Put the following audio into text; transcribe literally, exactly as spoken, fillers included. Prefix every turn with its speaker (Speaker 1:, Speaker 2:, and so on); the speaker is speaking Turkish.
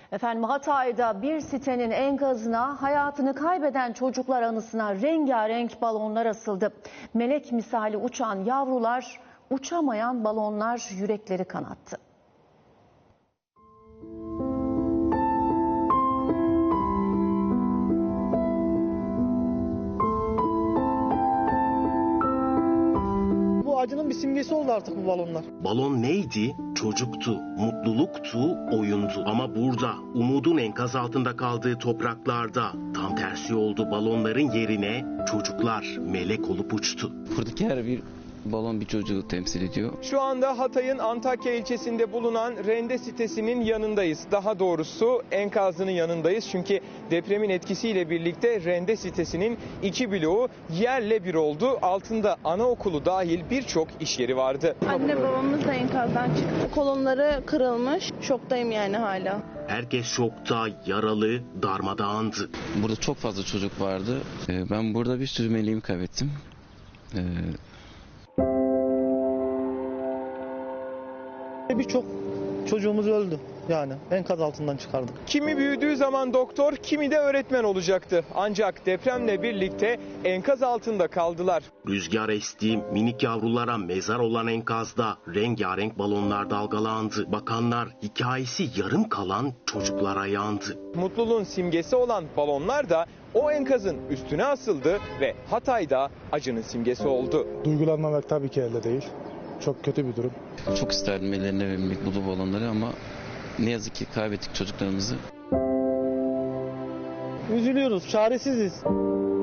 Speaker 1: Efendim Hatay'da bir sitenin enkazına hayatını kaybeden çocuklar anısına rengarenk balonlar asıldı. Melek misali uçan yavrular, uçamayan balonlar yürekleri kanattı.
Speaker 2: Bu acının bir simgesi oldu artık bu balonlar.
Speaker 3: Balon neydi? Çocuktu, mutluluktu, oyundu. Ama burada, umudun enkaz altında kaldığı topraklarda tam tersi oldu. Balonların yerine çocuklar melek olup uçtu.
Speaker 4: Buradaki her bir balon bir çocuğu temsil ediyor.
Speaker 5: Şu anda Hatay'ın Antakya ilçesinde bulunan Rende sitesinin yanındayız. Daha doğrusu enkazının yanındayız. Çünkü depremin etkisiyle birlikte Rende sitesinin iki bloğu yerle bir oldu. Altında anaokulu dahil birçok iş yeri vardı.
Speaker 6: Anne babamız da enkazdan çıktı. Kolonları kırılmış. Şoktayım yani hala.
Speaker 3: Herkes şokta, yaralı, darmadağındı.
Speaker 4: Burada çok fazla çocuk vardı. Ee, Ben burada bir sürü meleğimi kaybettim. Ee,
Speaker 2: Birçok çocuğumuz öldü yani enkaz altından çıkardık.
Speaker 5: Kimi büyüdüğü zaman doktor, kimi de öğretmen olacaktı. Ancak depremle birlikte enkaz altında kaldılar.
Speaker 3: Rüzgar esti, minik yavrulara mezar olan enkazda rengarenk balonlar dalgalandı. Bakanlar hikayesi yarım kalan çocuklara yandı.
Speaker 5: Mutluluğun simgesi olan balonlar da o enkazın üstüne asıldı ve Hatay'da acının simgesi oldu.
Speaker 7: Duygulanmamak tabii ki elde değil. Çok kötü bir durum.
Speaker 4: Çok isterdim ellerine vermek bu balonları ama ne yazık ki kaybettik çocuklarımızı.
Speaker 2: Üzülüyoruz, çaresiziz.